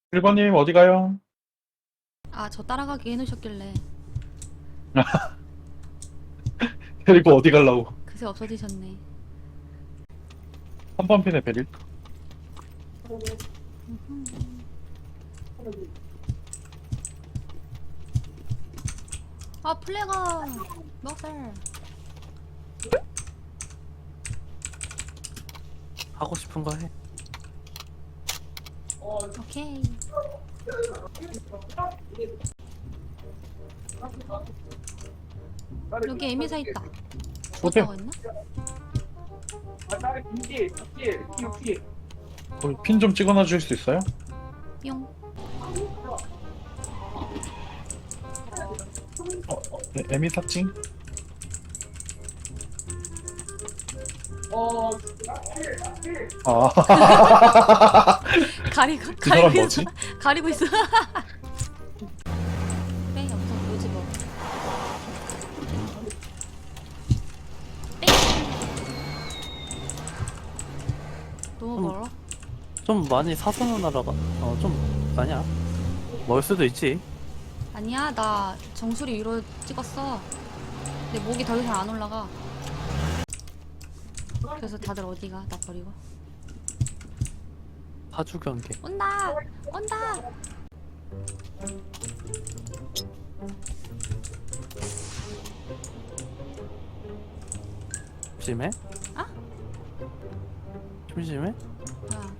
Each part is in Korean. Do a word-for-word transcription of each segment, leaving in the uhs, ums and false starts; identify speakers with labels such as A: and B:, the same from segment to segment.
A: 일 번님 어디 가요?
B: 아, 저 따라가게 해놓으셨길래
A: 데리고 어디 가려고?
B: 그새 없어지셨네.
A: 삼 번 핀에 베릴.
B: 아, 플래가 먹살.
C: 하고 싶은 거 해.
B: 오케이. 여기 에미사 있다.
A: 오케이.
B: 어디가 있나?
A: 거기 핀 좀 찍어놔 줄 수 있어요?
B: 뿅.
A: 어, 어, 네, 에미 사칭? 아,
B: 가리고
A: 그 사람
B: 가리고
A: 뭐지?
B: 있어. 가리고 있어. 빼 없어 뭐지 뭐. 빼. 너무
C: 음.
B: 멀어?
C: 좀 많이 사선을 날아가. 어, 좀 아니야. 멀 수도 있지.
B: 아니야, 나 정수리 위로 찍었어. 내 목이 더 이상 안 올라가. 그래서 다들 어디가? 나 버리고.
C: 파주 경계.
B: 온다! 온다!
C: 심심해?
B: 아?
C: 심심해?
B: 야,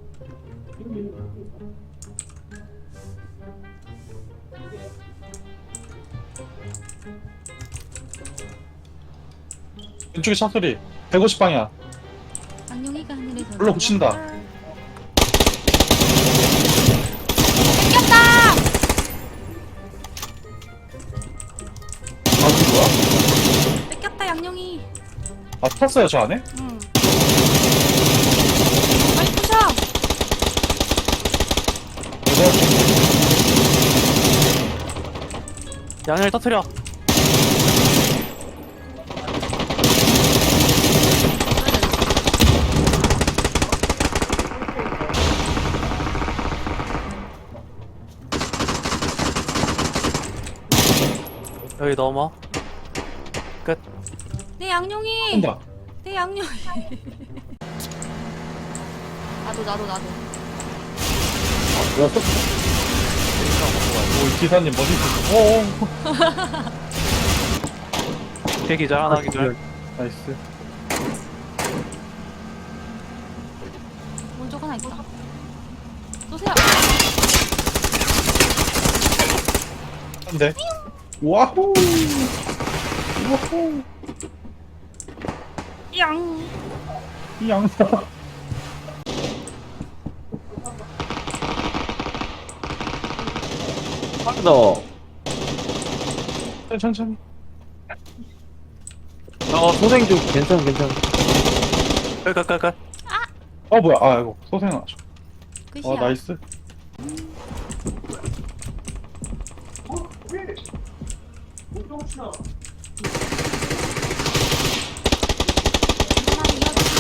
A: 왼쪽에 차 소리. 백오십 방향.
B: 안녕이가 하늘에서
A: 불러 붙인다.
B: 뺏겼다!
A: 아, 그 뭐야?
B: 뺏겼다, 양룡이.
A: 아, 탔어요, 저 안에?
B: 응. 빨리 부셔!
C: 양을 터트려. 여기 넘어. 끝.
B: 내 양룡이!
A: 온다.
B: 내 양룡이. 나도, 나도, 나도.
A: 뭐야, 또? 오, 기사님 머리 좀. 어어.
C: 대기절 하나 기절.
A: 나이스.
B: 오른쪽 하나 있다. 쏘세요!
A: 한 대. 와호! 와호!
B: 양!
A: 이 양사.
D: 너.
A: 천천히.
D: 어, 소생 중. 괜찮아, 괜찮아.
C: 끝, 끝, 끝, 끝.
A: 어, 뭐야. 아, 이거 소생 나죠.
B: 끝이야.
A: 아, 나이스.
B: 하나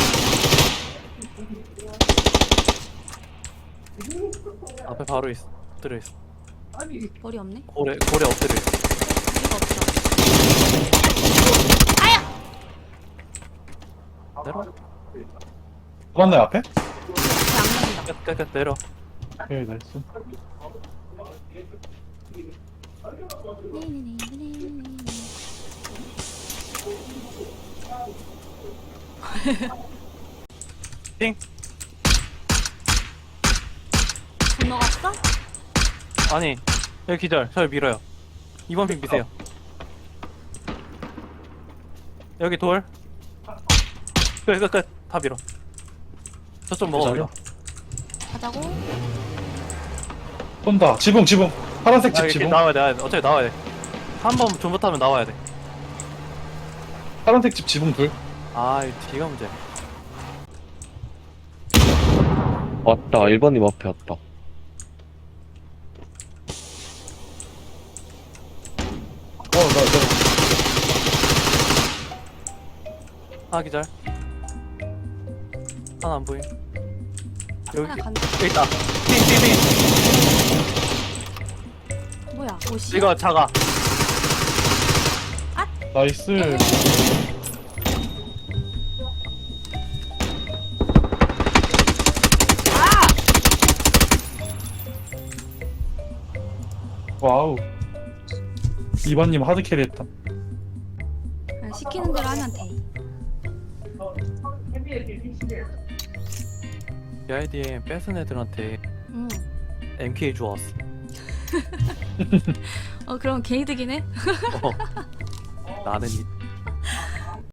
C: 앞에 바로 있어. 엎드려 있어.
B: 이어줘. 머리 없네?
C: 고래, 고래 엎드려 있어.
B: 머리가 없어.
C: 내려.
A: 맞나요, 앞에?
B: 양룡이다.
C: 끝, 끝, 끝, 내려.
A: 예, 나이스.
C: 띵.
B: 건너갔어?
C: 아니, 여기 기절. 저를 밀어요. 이번 핑 미세요. 여기 돌. 끝, 끝, 끝. 다 밀어. 저쪽 먹어,
A: 기절이요?
C: 그냥.
B: 가자고.
A: 온다. 지붕, 지붕. 파란색
C: 아,
A: 집
C: 이렇게
A: 지붕.
C: 나와야 돼. 어차피 나와야 돼. 한 번 존버타면 나와야 돼.
A: 파란색 집 지붕 둘.
C: 아, 이 뒤가 문제.
D: 왔다. 일 번님 앞에 왔다.
A: 어, 나, 나.
C: 하나 기절. 하나 안 보임. 여기,
B: 하나 간다.
C: 여기 있다. 띵, 띵, 띵.
B: 뭐야? 뭐시?
C: 이거 작아.
A: 나이스. 와우. 이번님 하드캐리 했다.
B: 그냥 시키는 대로 하면 돼.
C: 비아이디엠 뺏은 애들한테
B: 응.
C: 엠케이 주웠어.
B: 어 그럼 개이득이네.
C: 어. 나는 이